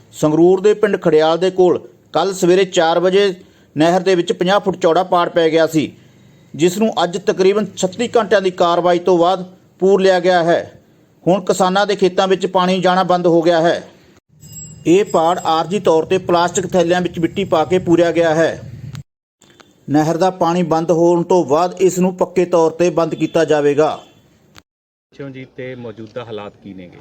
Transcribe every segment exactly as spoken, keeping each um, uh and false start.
ਸੰਗਰੂਰ ਦੇ ਪਿੰਡ ਖੜਿਆਲ ਦੇ ਕੋਲ ਕੱਲ ਸਵੇਰੇ ਚਾਰ ਵਜੇ ਨਹਿਰ ਦੇ ਵਿੱਚ ਪੰਜਾਹ ਫੁੱਟ ਚੌੜਾ ਪਾੜ ਪੈ ਗਿਆ ਸੀ, ਜਿਸ ਨੂੰ ਅੱਜ ਤਕਰੀਬਨ ਛੱਤੀ ਘੰਟਿਆਂ ਦੀ ਕਾਰਵਾਈ ਤੋਂ ਬਾਅਦ ਪੂਰ ਲਿਆ ਗਿਆ ਹੈ। ਹੁਣ ਕਿਸਾਨਾਂ ਦੇ ਖੇਤਾਂ ਵਿੱਚ ਪਾਣੀ ਜਾਣਾ ਬੰਦ ਹੋ ਗਿਆ ਹੈ। ਇਹ ਪਾੜ ਆਰਜੀ ਤੌਰ ਤੇ ਪਲਾਸਟਿਕ ਥੈਲਿਆਂ ਵਿੱਚ ਮਿੱਟੀ ਪਾ ਕੇ ਪੂਰਿਆ ਗਿਆ ਹੈ। ਨਹਿਰ ਦਾ ਪਾਣੀ ਬੰਦ ਹੋਣ ਤੋਂ ਬਾਅਦ ਇਸ ਨੂੰ ਪੱਕੇ ਤੌਰ ਤੇ ਬੰਦ ਕੀਤਾ ਜਾਵੇਗਾ। ਜੀ ਤੇ ਮੌਜੂਦਾ ਹਾਲਾਤ ਕੀ ਨੇਗੇ?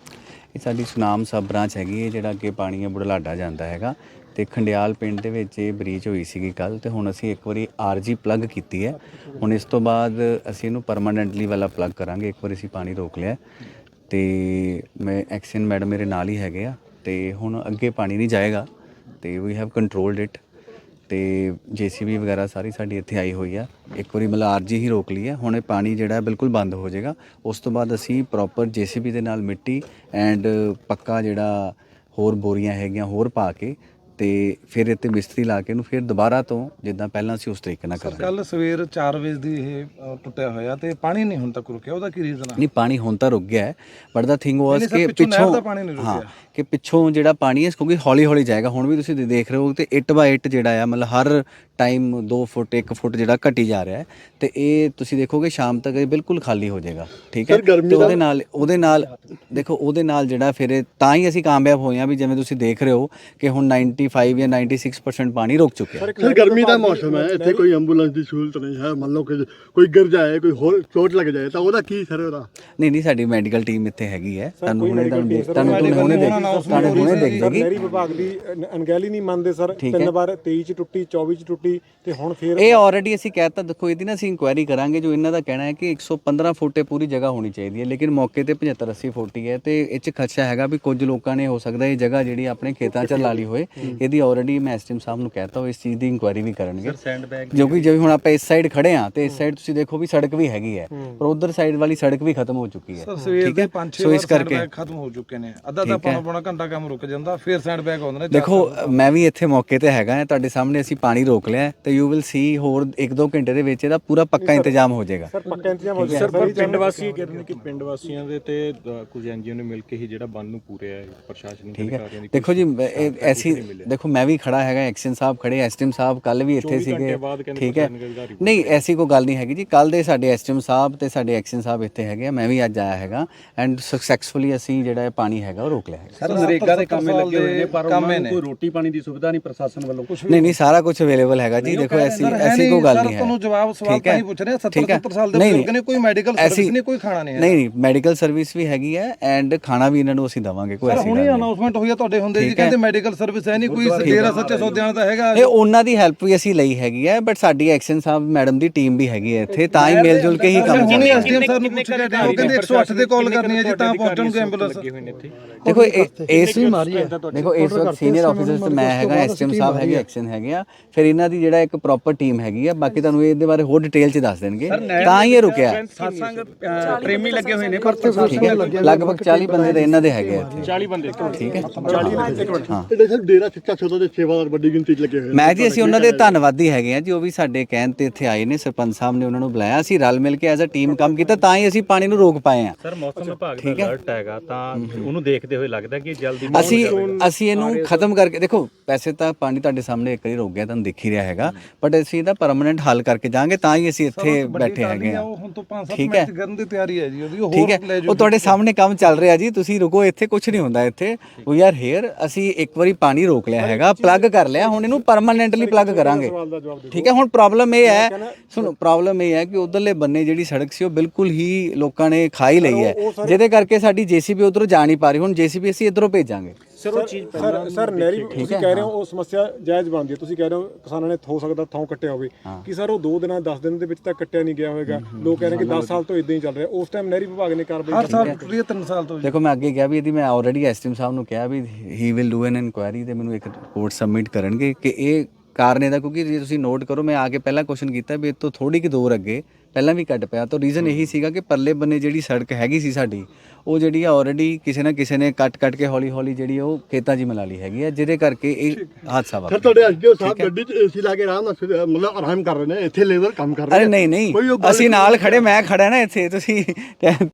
ਇਹ ਸਾਡੀ ਸੁਨਾਮ ਸਬ ਬ੍ਰਾਂਚ ਹੈਗੀ ਹੈ, ਜਿਹੜਾ ਕਿ ਪਾਣੀ ਹੈ ਬੁਢਲਾਡਾ ਜਾਂਦਾ ਹੈਗਾ ਤੇ ਖੰਡਿਆਲ ਪਿੰਡ ਦੇ ਵਿੱਚ ਇਹ ਬਰੀਚ ਹੋਈ ਸੀਗੀ ਕੱਲ, ਤੇ ਹੁਣ ਅਸੀਂ ਇੱਕ ਵਾਰੀ ਆਰਜੀ ਪਲੱਗ ਕੀਤੀ ਹੈ। ਹੁਣ ਇਸ ਤੋਂ ਬਾਅਦ ਅਸੀਂ ਇਹਨੂੰ ਪਰਮਾਨੈਂਟਲੀ ਵਾਲਾ ਪਲੱਗ ਕਰਾਂਗੇ। ਇੱਕ ਵਾਰੀ ਅਸੀਂ ਪਾਣੀ ਰੋਕ ਲਿਆ ਤੇ ਮੈਂ ਐਕਸ਼ਨ ਮੈਡਮ ਮੇਰੇ ਨਾਲ ਹੀ ਹੈਗੇ ਆ, ਤੇ ਹੁਣ ਅੱਗੇ ਪਾਣੀ ਨਹੀਂ ਜਾਏਗਾ ਤੇ ਵੀ ਹੈਵ ਕੰਟਰੋਲਡ ਇਟ। ਤੇ ਜੇਸੀਬੀ ਵਗੈਰਾ ਸਾਰੀ ਸਾਡੀ ਇੱਥੇ ਆਈ ਹੋਈ ਆ। ਇੱਕ ਵਾਰੀ ਮਤਲਬ ਆਰਜੀ ਹੀ ਰੋਕ ਲਈ ਹੈ, ਹੁਣ ਇਹ ਪਾਣੀ ਜਿਹੜਾ ਬਿਲਕੁਲ ਬੰਦ ਹੋ ਜਾਏਗਾ। ਉਸ ਤੋਂ ਬਾਅਦ ਅਸੀਂ ਪ੍ਰੋਪਰ ਜੇਸੀਬੀ ਦੇ ਨਾਲ ਮਿੱਟੀ ਐਂਡ ਪੱਕਾ ਜਿਹੜਾ ਹੋਰ ਬੋਰੀਆਂ ਹੈਗੀਆਂ ਹੋਰ ਪਾ ਕੇ ਤੇ ਫਿਰ ਇੱਥੇ ਮਿਸਤਰੀ ਲਾ ਕੇ ਇਹਨੂੰ ਫਿਰ ਦੁਬਾਰਾ ਤੋਂ ਜਿੱਦਾਂ ਪਹਿਲਾਂ ਸੀ ਉਸ ਤਰੀਕੇ ਨਾਲ ਕਰਾਂਗੇ। ਕੱਲ ਸਵੇਰ ਚਾਰ ਵਜੇ ਦੀ ਇਹ ਟੁੱਟਿਆ ਹੋਇਆ ਤੇ ਪਾਣੀ ਨਹੀਂ ਹੁਣ ਤੱਕ ਰੁਕਿਆ, ਉਹਦਾ ਕੀ ਰੀਜ਼ਨ ਹੈ? ਨਹੀਂ, ਪਾਣੀ ਹੁਣ ਤਾਂ ਰੁਕ ਗਿਆ ਹੈ, ਬਟ ਦਾ ਥਿੰਗ ਵਾਸ ਕਿ ਪਿੱਛੋਂ ਹਾਂ ਕਿ ਪਿੱਛੋਂ ਜਿਹੜਾ ਪਾਣੀ ਹੈ ਕਿਉਂਕਿ ਹੌਲੀ ਹੌਲੀ ਜਾਏਗਾ। ਹੁਣ ਵੀ ਤੁਸੀਂ ਦੇਖ ਰਹੇ ਹੋ ਤੇ ਇੱਟ ਬਾਈ ਇੱਟ ਜਿਹੜਾ ਆ ਮਤਲਬ ਹਰ ਟਾਈਮ ਦੋ ਫੁੱਟ ਇੱਕ ਫੁੱਟ ਜਿਹੜਾ ਘਟੀ ਜਾ ਰਿਹਾ ਹੈ, ਤੇ ਇਹ ਤੁਸੀਂ ਦੇਖੋਗੇ ਸ਼ਾਮ ਤੱਕ ਇਹ ਬਿਲਕੁਲ ਖਾਲੀ ਹੋ ਜਾਏਗਾ। ਠੀਕ ਹੈ, ਤੇ ਉਹਦੇ ਨਾਲ ਉਹਦੇ ਨਾਲ ਦੇਖੋ ਉਹਦੇ ਨਾਲ ਜਿਹੜਾ ਫਿਰ ਇਹ ਤਾਂ ਹੀ ਅਸੀਂ ਕਾਮਯਾਬ ਹੋਏ ਹਾਂ ਵੀ ਜਿਵੇਂ ਤੁਸੀਂ ਦੇਖ ਰਹੇ ਹੋ ਕਿ ਹੁਣ ਨਾਈਨਟੀ ਫਾਈਵ ਜਾਂ ਨਾਈਨਟੀ ਸਿਕਸ ਪਰਸੈਂਟ ਪਾਣੀ ਰੁਕ ਚੁੱਕਿਆ ਹੈ। ਸਰ ਗਰਮੀ ਦਾ ਮੌਸਮ ਹੈ, ਇੱਥੇ ਕੋਈ ਐਂਬੂਲੈਂਸ ਦੀ ਸਹੂਲਤ ਨਹੀਂ ਹੈ। ਮੰਨ ਲਓ ਕਿ ਕੋਈ ਗਿਰ ਜਾਏ, ਕੋਈ ਹੋਰ ਚੋਟ ਲੱਗ ਜਾਏ ਤਾਂ ਉਹਦਾ ਕੀ ਸਰ ਉਹਦਾ? ਨਹੀਂ ਨਹੀਂ, ਸਾਡੀ ਮੈਡੀਕਲ ਟੀਮ ਇੱਥੇ ਹੈਗੀ ਹੈ। ਤੁਹਾਨੂੰ ਹੁਣੇ ਤੁਹਾਨੂੰ ਦੇਖ ਤੁਹਾਨੂੰ ਹੁਣੇ ਦੇਖ ਤੁਹਾਨੂੰ ਹੁਣੇ ਦੇਖ ਜਾਏਗੀ। ਨਹਿਰੀ ਵਿਭਾਗ ਦੀ ਅਣਗਹਿਲੀ ਨਹੀਂ ਮੰਨਦੇ ਸਰ, ਤਿੰਨ ਵਾਰ ਤੇਈ ਚ ਟੁੱਟੀ, ਚੌਵੀ ਚ ਟੁੱਟੀ ਤੇ ਹੁਣ ਫਿਰ ਇਹ ਆਲਰੇਡੀ ਅਸੀਂ ਕਹਿਤਾ। ਦੇਖੋ ਇਹਦੀ ਨਾ ਅਸੀਂ ਇਨਕੁਆਇਰੀ ਕਰਾਂਗੇ। ਜੋ ਇਹਨਾਂ ਦਾ ਕਹਿਣਾ ਹੈ ਕਿ ਇੱਕ ਸੌ ਪੰਦਰਾਂ ਫੁੱਟ ਪੂਰੀ ਜਗ੍ਹਾ ਹੋਣੀ ਚਾਹੀਦੀ ਹੈ, ਲੇਕਿਨ ਮੌਕੇ ਤੇ ਪਝੱਤਰ ਅੱਸੀ ਫੁੱਟ ਹੀ ਹੈ, ਤੇ ਇਹ 'ਚ ਖਦਸ਼ਾ ਹੈਗਾ ਵੀ ਕੁਝ ਲੋਕਾਂ ਨੇ ਹੋ ਸਕਦਾ ਇਹ ਜਗ੍ਹਾ ਜਿਹੜੀ ਆਪਣੇ ਖੇਤਾਂ 'ਚ ਲਾ ਲਈ ਹੋਏ। ਇਹਦੀ ਆਲਰੇਡੀ ਮੈਂ ਐਸਟੀਐਮ ਸਾਹਿਬ ਨੂੰ ਕਹਿਤਾ ਉਹ ਇਸ ਚੀਜ਼ ਦੀ ਇਨਕੁਆਇਰੀ ਵੀ ਕਰਨਗੇ। ਜੋ ਕਿ ਜਿਵੇਂ ਹੁਣ ਆਪਾਂ ਇਸ ਸਾਈਡ ਖੜੇ ਹਾਂ ਤੇ ਇਸ ਸਾਈਡ ਤੁਸੀਂ ਦੇਖੋ ਵੀ ਸੜਕ ਵੀ ਹੈਗੀ ਹੈ, ਪਰ ਉਧਰ ਸਾਈਡ ਵਾਲੀ ਸੜਕ ਵੀ ਖਤਮ ਹੋ ਚੁੱਕੀ ਹੈ। ਠੀਕ ਹੈ, ਸੋ ਇਸ ਕਰਕੇ ਖਤਮ ਹੋ ਚੁੱਕੇ ਨੇ। ਅੱਧਾ ਤਾਂ ਪੌਣਾ ਪੌਣਾ ਘੰਟਾ ਕੰਮ ਰੁਕ ਜਾਂਦਾ, ਫਿਰ ਸਾਈਡ ਬੈਕ ਆਉਂਦੇ ਨੇ। ਦੇਖੋ ਮੈਂ ਵੀ ਇੱਥੇ ਮੌਕੇ ਤੇ ਹੈਗਾ, ਤੁਹਾਡੇ ਸਾਹਮਣੇ ਅਸੀਂ ਪਾਣੀ ਰੋਕ ਲਿਆ ਤੇ ਯੂ ਵਿਲ ਸੀ ਹੋਰ ਇੱਕ ਦੋ ਘੰਟੇ ਦੇ ਵਿੱਚ ਇਹਦਾ ਪੂਰਾ ਪੱਕਾ ਇੰਤਜ਼ਾਮ ਹੋ ਜਾਏਗਾ। ਸਰ ਪੱਕਾ ਇੰਤਜ਼ਾਮ ਹੋ ਸਰ ਪਰ ਪਿੰਡ ਵਾਸੀ ਕਹਿ ਰਹੇ ਨੇ ਕਿ ਪਿੰਡ ਵਾਸੀਆਂ ਦੇ ਤੇ ਕੁਝ ਐਨਜੀਓ ਨੇ ਮਿਲ ਕੇ ਹੀ ਜਿਹੜਾ ਬੰਨ ਨੂੰ ਪੂਰਿਆ ਹੈ ਪ੍ਰਸ਼ਾਸਨਿਕ ਅਧਿਕਾਰੀਆਂ ਦੀ। ਦੇਖੋ ਜੀ ਐਸੀ ਦੇਖੋ ਮੈਂ ਵੀ ਖੜਾ ਹੈਗਾ, ਐਕਸ਼ਨ ਸਾਹਿਬ ਖੜੇ, ਐਸਟੀਐਮ ਸਾਹਿਬ ਕੱਲ ਵੀ ਇੱਥੇ ਸੀਗੇ। ਠੀਕ ਹੈ, ਨਹੀਂ ਐਸੀ ਕੋਈ ਗੱਲ ਨਹੀਂ ਹੈਗੀ ਜੀ। ਕੱਲ ਦੇ ਸਾਡੇ ਐਸਟੀਐਮ ਸਾਹਿਬ ਤੇ ਸਾਡੇ ਐਕਸ਼ਨ ਸਾਹਿਬ ਇੱਥੇ ਹੈਗੇ, ਮੈਂ ਵੀ ਅੱਜ ਆਇਆ ਹੈਗਾ ਐਂਡ ਸਕਸੈਸਫੁਲੀ ਅਸੀਂ ਜਿਹੜਾ ਪਾਣੀ ਹੈਗਾ ਉਹ ਰੋਕ ਲਿਆ ਹੈ। ਸਰ ਨਰੇਗਾ ਦੇ ਕੰਮੇ ਲੱਗੇ ਹੋਏ ਨੇ, ਪਰ ਉਹਨਾਂ ਨੂੰ ਕੋਈ ਰੋਟੀ ਪਾਣੀ ਦੀ ਸੁਵਿਧਾ ਨਹੀਂ ਪ੍ਰਸ਼ਾਸਨ ਵੱਲੋਂ ਕੁਝ ਨਹੀਂ ਨਹੀਂ, ਸਾਰਾ ਕੁਝ ਅਵੇਲੇਬਲ ਹੈਗਾ ਜੀ। ਦੇਖੋ ਐਸੀ ਐਸੀ ਕੋਈ ਗੱਲ ਨਹੀਂ ਹੈ। ਤੁਹਾਨੂੰ ਜਵਾਬ ਸਵਾਲ ਤਾਂ ਹੀ ਪੁੱਛ ਰਹੇ। ਸੱਤਰ ਸੱਤਰ ਸਾਲ ਦੇ ਬਜ਼ੁਰਗ ਨੇ, ਕੋਈ ਮੈਡੀਕਲ ਸਰਵਿਸ ਨਹੀਂ, ਕੋਈ ਖਾਣਾ ਨਹੀਂ ਹੈ। ਨਹੀਂ ਨਹੀਂ, ਮੈਡੀਕਲ ਸਰਵਿਸ ਵੀ ਹੈਗੀ ਹੈ ਐਂਡ ਖਾਣਾ ਵੀ ਇਹਨਾਂ ਨੂੰ ਅਸੀਂ ਦਵਾਂਗੇ। ਕੋਈ ਐਸੀ ਗੱਲ ਨਹੀਂ। ਹੁਣੇ ਅਨਾਉਂਸਮੈਂਟ ਹੋਈ ਆ ਤੁਹਾਡੇ ਹੁੰਦੇ ਜੀ, ਕਹਿੰਦੇ ਮੈਡੀਕਲ ਸਰਵਿਸ ਹੈ ਨਹੀਂ, ਕੋਈ ਡੇਰਾ ਸੱਚੇ ਸੌਦਿਆਂ ਦਾ ਹੈਗਾ। ਇਹ ਉਹਨਾਂ ਦੀ ਹੈਲਪ ਵੀ ਅਸੀਂ ਲਈ ਹੈਗੀ ਹੈ, ਬਟ ਸਾਡੀ ਐਕਸ਼ਨ ਸਾਹਿਬ ਮੈਡਮ ਦੀ ਟੀਮ ਵੀ ਹੈਗੀ ਹੈ ਇੱਥੇ, ਤਾਂ ਹੀ ਮਿਲ ਜੁਲ ਕੇ ਹੀ ਕੰਮ ਚੱਲ ਰਿਹਾ। ਐਸਡੀਐਮ ਸਰ ਨੂੰ ਪੁੱਛ ਕੇ ਉਹ ਕਹਿੰਦੇ ਇੱਕ ਸੌ ਅੱਠ ਤੇ ਕਾਲ ਕਰਨੀ ਹੈ ਜੀ ਤਾਂ ਪਹੁੰਚਣਗੇ ਐਂਬੂਲੈਂਸ। ਦੇਖੋ ਇਸ ਵੀ ਮਾਰੀ ਹੈ। ਦੇਖੋ ਇਸ ਵਕਤ ਸੀਨੀਅਰ ਆਫੀਸਰਸ ਤੇ ਮੈਂ ਹੈਗਾ, ਐਸਟੀਐਮ ਸਾਹਿਬ ਹੈਗੇ, ਐਕਸ਼ਨ ਹੈਗੇ ਆ, ਫਿਰ ਇਹਨਾਂ ਦੀ ਜਿਹੜਾ ਇੱਕ ਪ੍ਰੋਪਰ ਟੀਮ ਹੈਗੀ ਆ। ਬਾਕੀ ਤੁਹਾਨੂੰ ਇਹਦੇ ਬਾਰੇ ਹੋਰ ਡਿਟੇਲ ਚ ਦੱਸ ਦੇਣਗੇ, ਤਾਂ ਹੀ ਇਹ ਰੁਕਿਆ। ਸਤਸੰਗ ਪ੍ਰੇਮੀ ਲੱਗੇ ਹੋਏ ਨੇ, ਠੀਕ ਹੈ, ਲਗਭਗ ਚਾਲੀ ਬੰਦੇ ਤਾਂ ਇਹਨਾਂ ਦੇ ਹੈਗੇ ਆ ਇੱਥੇ। ਚਾਲੀ ਬੰਦੇ ਠੀਕ ਹੈ, ਹਾਂ ਤੇ ਸਰ ਡੇਰਾ ਸੱਚਾ ਸੌਦਾ ਦੇ ਸੇਵਾਦਾਰ ਵੱਡੀ ਗਿਣਤੀ 'ਚ ਲੱਗੇ ਹੋਏ ਨੇ। ਮੈਂ ਜੀ ਅਸੀਂ ਉਹਨਾਂ ਦੇ ਧੰਨਵਾਦੀ ਹੈਗੇ ਆ ਜੀ, ਉਹ ਵੀ ਸਾਡੇ ਕਹਿਣ ਤੇ ਇੱਥੇ ਆਏ ਨੇ। ਸਰਪੰਚ ਸਾਹਿਬ ਨੇ ਉਹਨਾਂ ਨੂੰ ਬੁਲਾਇਆ, ਅਸੀਂ ਰਲ ਮਿਲ ਕੇ ਐਜ਼ ਅ ਟੀਮ ਕੰਮ ਕੀਤਾ, ਤਾਂ ਹੀ ਅਸੀਂ ਪਾਣੀ ਨੂੰ ਰੋਕ ਪਾਏ ਆ। ਸਰ ਮੌਸਮ ਵਿਭਾਗ ਦਾ ਅਲਰਟ ਹੈਗਾ, ਤਾਂ ਉਹਨੂੰ ਦੇਖਦੇ ਹੋਏ ਲੱਗਦਾ ਕਿ ਜਲਦੀ ਅਸੀਂ ਅਸੀਂ ਇਹਨੂੰ ਖਤਮ ਕਰਕੇ ਦੇਖੋ ਵੈਸੇ ਤਾਂ ਪਾਣੀ ਤੁਹਾਡੇ ਸਾਹਮਣੇ ਇੱਕ ਵਾਰੀ ਰੁਕ ਗਿਆ, ਤੁਹਾਨੂੰ ਦਿਖ ਹੀ ਰਿਹਾ ਹੈਗਾ, ਬਟ ਅਸੀਂ ਇਹਦਾ ਪਰਮਾਨੈਂਟ ਹੱਲ ਕਰਕੇ ਜਾਾਂਗੇ, ਤਾਂ ਹੀ ਅਸੀਂ ਇੱਥੇ ਬੈਠੇ ਹੈਗੇ ਆ। ਠੀਕ ਹੈ, ਕਰਨ ਦੀ ਤਿਆਰੀ ਹੈ ਜੀ ਉਹਦੀ। ਉਹ ਠੀਕ ਹੈ, ਉਹ ਤੁਹਾਡੇ ਸਾਹਮਣੇ ਕੰਮ ਚੱਲ ਰਿਹਾ ਜੀ, ਤੁਸੀਂ ਰੁਕੋ, ਇੱਥੇ ਕੁਝ ਨਹੀਂ ਹੁੰਦਾ। ਇੱਥੇ ਵੀ ਆਰ ਹੇਅਰ, ਅਸੀਂ ਇੱਕ ਵਾਰੀ ਪਾਣੀ ਰੋਕ ਲਿਆ ਹੈਗਾ, ਪਲੱਗ ਕਰ ਲਿਆ, ਹੁਣ ਇਹਨੂੰ ਪਰਮਾਨੈਂਟਲੀ ਪਲੱਗ ਕਰਾਂਗੇ। ਠੀਕ ਹੈ, ਹੁਣ ਪ੍ਰੋਬਲਮ ਇਹ ਹੈ, ਸੁਣੋ ਪ੍ਰੋਬਲਮ ਇਹ ਹੈ ਕਿ ਉਧਰਲੇ ਬੰਨੇ ਜਿਹੜੀ ਸੜਕ ਸੀ ਉਹ ਬਿਲਕੁਲ ਹੀ ਲੋਕਾਂ ਨੇ ਖਾ ਹੀ ਲਈ ਹੈ, ਜਿਹਦੇ ਕਰਕੇ ਸਾਡੀ ਜੇਸੀਬੀ ਉਧਰੋਂ ਜਾ ਨਹੀਂ ਪਾ ਰਹੀ। ਹੁਣ ਜੇਸੀਬੀ ਅਸੀਂ ਇੱਧਰੋਂ ਭੇਜਾਂਗੇ। ਸਰ ਉਹ ਚੀਜ਼ ਸਰ ਸਰ ਨਹਿਰੀ ਤੁਸੀਂ ਕਹਿ ਰਹੇ ਹੋ ਉਹ ਸਮੱਸਿਆ ਜਾਇਜ਼ ਬਣਦੀ ਹੈ। ਤੁਸੀਂ ਕਹਿ ਰਹੇ ਹੋ ਕਿਸਾਨਾਂ ਨੇ ਹੋ ਸਕਦਾ ਥਾਂ ਕੱਟਿਆ ਹੋਵੇ, ਕਿ ਸਰ ਉਹ ਦੋ ਦਿਨਾਂ ਦਸ ਦਿਨ ਦੇ ਵਿੱਚ ਤਾਂ ਕੱਟਿਆ ਨਹੀਂ ਗਿਆ ਹੋਵੇਗਾ। ਲੋਕ ਕਹਿ ਰਹੇ ਕਿ ਦਸ ਸਾਲ ਤੋਂ ਇਦਾਂ ਹੀ ਚੱਲ ਰਿਹਾ। ਉਸ ਟਾਈਮ ਨਹਿਰੀ ਵਿਭਾਗ ਨੇ ਕਾਰਵਾਈ ਹਰ ਸਾਲ ਟੁੱਟੀ ਤਿੰਨ ਸਾਲ ਤੋਂ। ਦੇਖੋ ਮੈਂ ਅੱਗੇ ਕਿਹਾ ਵੀ ਇਹਦੀ ਮੈਂ ਆਲਰੇਡੀ ਐਸਟੀਐਮ ਸਾਹਿਬ ਨੂੰ ਕਿਹਾ ਵੀ he will do an inquiry, ਤੇ ਮੈਨੂੰ ਇੱਕ ਰਿਪੋਰਟ ਸਬਮਿਟ ਕਰਨਗੇ ਕਿ ਇਹ ਕਾਰਨ ਇਹਦਾ। ਕਿਉਂਕਿ ਜੇ ਤੁਸੀਂ ਨੋਟ ਕਰੋ, ਮੈਂ ਆ ਕੇ ਪਹਿਲਾਂ ਕੁਐਸਚਨ ਕੀਤਾ ਵੀ ਇਹ ਤੋਂ ਥੋੜੀ ਕਿ ਦੂਰ ਅੱਗੇ ਪਹਿਲਾਂ ਵੀ ਕੱਟ ਪਿਆ, ਤਾਂ ਰੀਜ਼ਨ ਇਹੀ ਸੀਗਾ ਕਿ ਪਰਲੇ ਬੰਨੇ ਜਿਹੜੀ ਸੜਕ ਹੈਗੀ ਸੀ ਸਾਡੀ, ਉਹ ਜਿਹੜੀ ਆ ਆਲਰੇਡੀ ਕਿਸੇ ਨਾ ਕਿਸੇ ਨੇ ਕੱਟ ਕੱਟ ਕੇ ਹੌਲੀ ਹੌਲੀ ਜਿਹੜੀ ਉਹ ਖੇਤਾਂ 'ਚ ਮਿਲਾ ਲਈ ਹੈਗੀ ਆ, ਜਿਹਦੇ ਕਰਕੇ ਇਹ ਹਾਦਸਾ ਵਾਪਰਿਆ। ਸਰ ਤੁਹਾਡੇ ਐਸਡੀਓ ਸਾਹਿਬ ਗੱਡੀ 'ਚ ਏਸੀ ਲਾ ਕੇ ਆਰਾਮ ਨਾਲ ਮਤਲਬ ਆਰਾਮ ਕਰ ਰਹੇ ਨੇ, ਇੱਥੇ ਲੇਬਰ ਕੰਮ ਕਰ ਰਹੇ ਅਰੇ ਨਹੀਂ ਨਹੀਂ, ਅਸੀਂ ਨਾਲ ਖੜੇ, ਮੈਂ ਖੜਾ ਨਾ ਇੱਥੇ, ਤੁਸੀਂ